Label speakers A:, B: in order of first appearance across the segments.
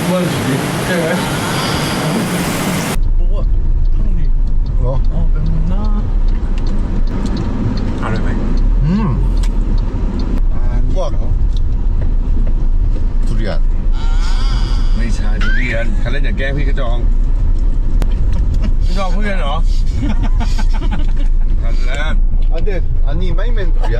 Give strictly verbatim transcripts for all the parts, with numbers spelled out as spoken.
A: 그만 주지. 깨네. 뭐가 형님.
B: 어?
A: 어, 맵나? 알아요.
B: 음. 아, 우와. 두리안.
A: ไม่ใช่ทุเรียนใครเล่นอย่าแกล้งพี่กระจองพี่จองทุเรียนเหรอคันแรก
B: 아, 근데 아니 마이맨 두리안.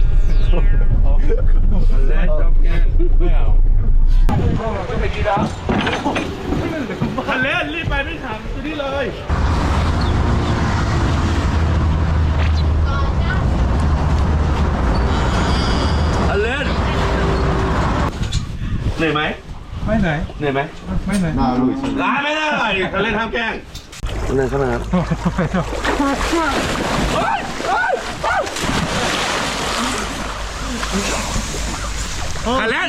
A: คันแรกชอบแกล้งไม่เอาก็ไปดีแล้วคันแรกรีบไปไม่ถามตัวนี้เลยคันแรกเหนื่อยไหมไม่เหนื่อยเหนื่อยไหมไม่เหนื่อย
B: 나 알고 있어.
A: ร้ายไม่ได้คันเล่นห้ามแกล้งเล่นขนาดคันเล่น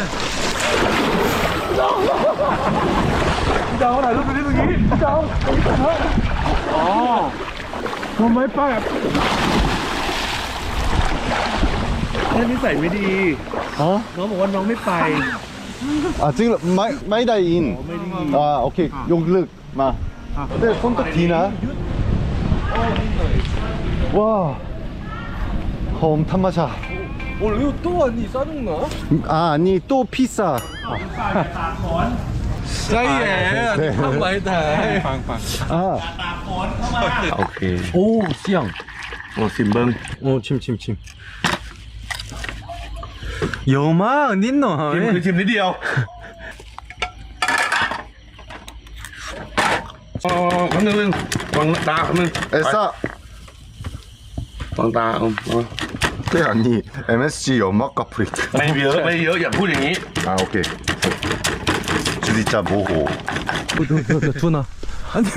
A: พี่จองพี่จองถ่ายรูปไปที่เมื่อกี้พี่จองอ๋อทำไมป้าแค่นิสัยไม่ดีอ๋อน้องบอกว่าน้องไม่ไป
B: 아, 지금 마이 마이다인. 아, 오케이. 용lực 마. 근데 손톱 디나? 와. 홈 탐마샤.
A: 어, 이거 또 아니 싸죽나?
B: 아, 아니 또 피싸.
A: 짜이에
B: 네.
A: 한 많이 다.
B: 아.
A: 오케이.
C: 오, 씨양.
A: 어, 심벙.
C: 오, 침, 침, 침. 여마, 닌노.
A: ชิมคือชิมนิดเดียวอ๋อคำนึงนึงวางตาคำนึง
B: 에싸.
A: วางตาเอา
B: 네, 아니 엠에스지 연막과 프리트.
A: ไม่เยอะไม่เยอะอย่าพูดอย่างนี้
B: 아, 오케이. 주디짜 모호.
C: 두나. 아니,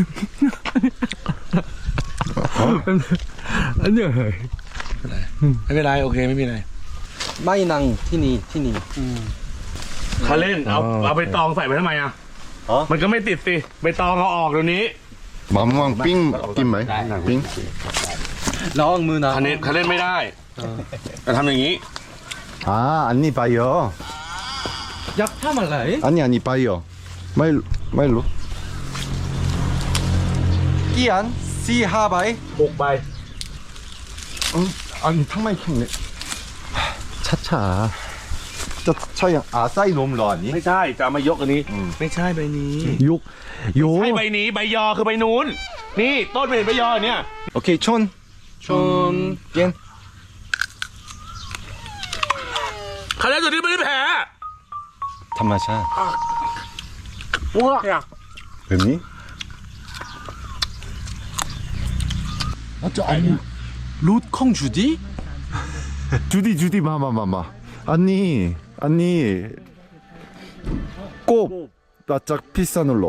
C: 아니야.
A: ไม่เป็นไรโอเคไม่มีอะไร
C: 마이낭, 티니, 티니.
A: เขาเล่นเอาเอาไปตองใส่ไปทำไมอ่ะมันก็ไม่ติดสิไปตองเอาออกเดี๋ยวนี้
B: 맘왕 삥 낀마이. 삥.
C: 라왕 무나.
A: เขาเล่นเขาเล่นไม่ได้จะทำอย่างนี้
B: 아, 아니 바이어.
C: 약파 말라이?
B: 아니 아니 바이어. 마일 마일로.
C: 끼안, 시하바이.
A: บุกไป
B: 응? 아니 탕마이 캔네. 차차. 저 차양 아싸이 놈러 아니?
A: ไม่ใช่จะเอามายกอันนี้ไม่ใช่ใบนี้
B: 욕 요.
A: ใช่ใบนี้ใบยอคือใบนู้นนี่ต้นเป็นใบยอเนี่ย
B: 오케이 촌.
C: 촌, 겐.
A: เขาเล่นตัวนี้ไม่ได้แพ้
B: 단마샤.
A: ว้า
B: 뱀니?
C: 맞죠? 아니, 롯콩 주디?
B: 주디 주디 마마마마. 아니 아니. 꼭 나짝 피싸눌러.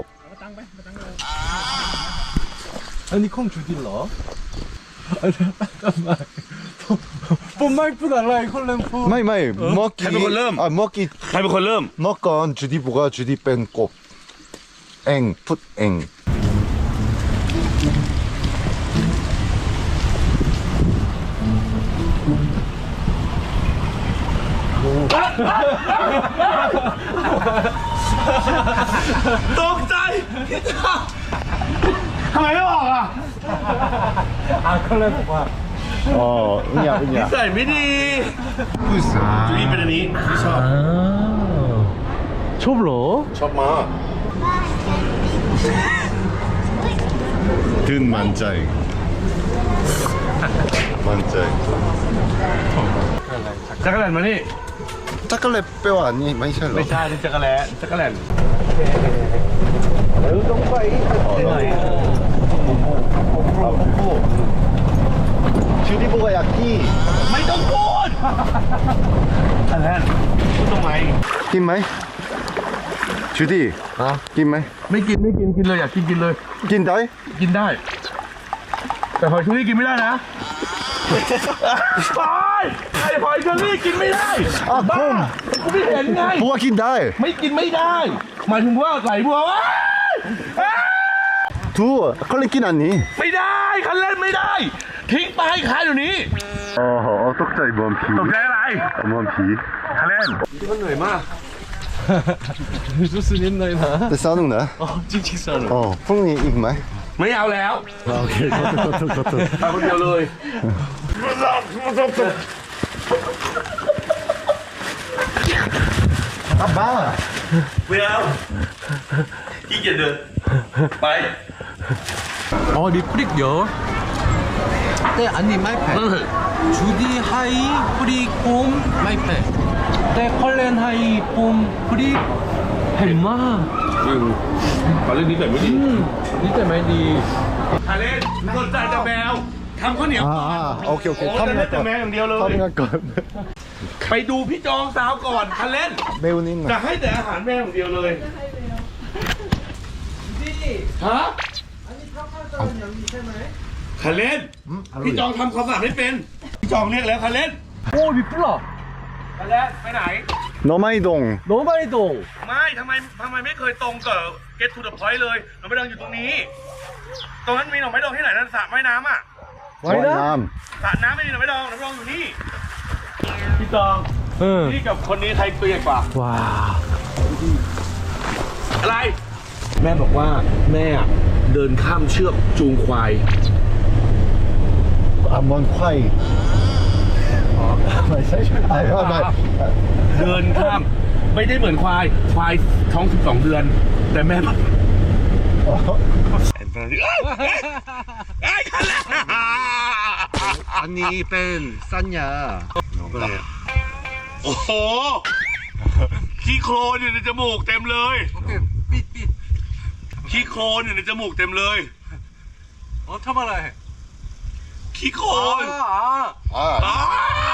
C: 아니, 콩 주딜러? 아니, 잠깐만. 뽐마이프 달라이, 콜렘프.
B: 마이 마이 먹기.
A: 해볼 걸음.
B: 아 먹기
A: ใครเป็นคนเริ่ม
B: 먹건 주디 보가 주디 뺀 꼽. 앵 풋앵.
A: ตกใจทำไมไม่บอกอ่ะ
C: 아, 콜렘프가.
B: 어 은야
A: นิ
B: 은야.
A: สัยไม่ดีจุลีเป็นอันนี้ที่ชอบ
C: 아. 좁러?
A: ชอบมาก
B: 든 만짜이. 만짜이.
A: จักรแลนมานี่
B: 짜클레 뼈 아니 많이 샬러.
A: ไม่ใช่นี่จักรแลนจักรแลน
B: 주디 보가 약기.
A: ไม่ต้องพูดจักรแลนพูดทำไม
B: 낀마이. 주디. 아 낀마이.
A: ไม่กินไม่กินกินเลยอยากกินกินเลย
B: 낀다이.
A: กินได้ แต่หอยเชอรี่กินไม่ได้นะตายไอ้หอยเชอรี่กินไม่ได้
B: อ่ะ
A: บ้า
B: คุณ
A: กูไม่เห็นไง
B: 보가 낀다이.
A: ไม่กินไม่ได้หมายถึงว่าไหลบัวว้ายอ้าย
B: 두 컬레 낀 아니.
A: ไม่ได้คันเล่นไม่ได้ ทิ้งไปขายอยู่นี้
B: 어허 떡자이 뭔 피.
A: ตกใจอะไร
B: 뭔 피.
A: คันเล่นมันเหนื่อยมาก
C: 좋습니다.
B: 네, 싸우는 거야?
C: 어, 찡찡 싸는.
B: 어, 푸른이 입ไหม
A: ไม่เอาแล้ว
B: 아, 오케이. 커튼, 커튼, 커튼.
A: เอาคนเดียวเลย
B: 아, 마!
A: ไม่เอาขี้เกียจเดินไป
C: 어, 리프릭요. 네, 아니 마이패. 주디 하이 프리 폼 마이패. 네, 컬렌 하이 폼 프리 햄마.
A: อืมขอเรื่องนี้แบบไม่ดี
C: 음, 이때 많이.
A: คาเล่นสนใจจะแมวทำข้าวเหนียว
B: 아, 아, 오케이,
A: โอ้
B: 오케이.
A: จะเล่น
B: 타밍할
A: แต่แมว
B: 거.
A: อย่างเดียวเลย
B: 타밍할 거.
A: ไปดูพี่จองสาวก่อนคาเล่น
B: 매운 있나?
A: จะให้แต่อาหารแมวอย่างเดียวเลยฮะคาเล่นพี่จองทำความสะอาดไม่เป็นพี่จองเรียกแล้วคาเล่น
C: 오, 미플라.
A: คาเล่นไปไหน
B: 너마이동.
C: 너무 많이 동.
A: ไม่ทำไมทำไมไม่เคยตรงกับ get to the point เลยหน่อไม้ดองอยู่ตรงนี้ ตรงนั้นมีหน่อไม้ดองที่ไหนนั่นสระว่ายน้ำอ่ะ
C: 와이나?
B: 남.
A: สระน้ำไม่มีหน่อไม้ดองหน่อไม้ดองอยู่นี่พี่จอง
C: 응.
A: นี่กับคนนี้ใครตัวใหญ่กว่า
C: 와.
A: อะไร แม่บอกว่าแม่เดินข้ามเชือกจูงควาย
B: 암원 콰이. 아, 아, 말.
A: เดินข้ามไม่ได้เหมือนควาย ควายท้องสิบสองเดือน แต่แม่บอกไอ้คันละ
B: 아니, 뺀, 쌌냐.
A: โอ้โหขี้โคลนอยู่ในจมูกเต็มเลย
C: 오케이, 삐, 삐.
A: ขี้โคลนอยู่ในจมูกเต็มเลย
C: 어, 참아라 해.
A: ขี้โคลน
C: 아, 아.
B: 아.
A: อ้า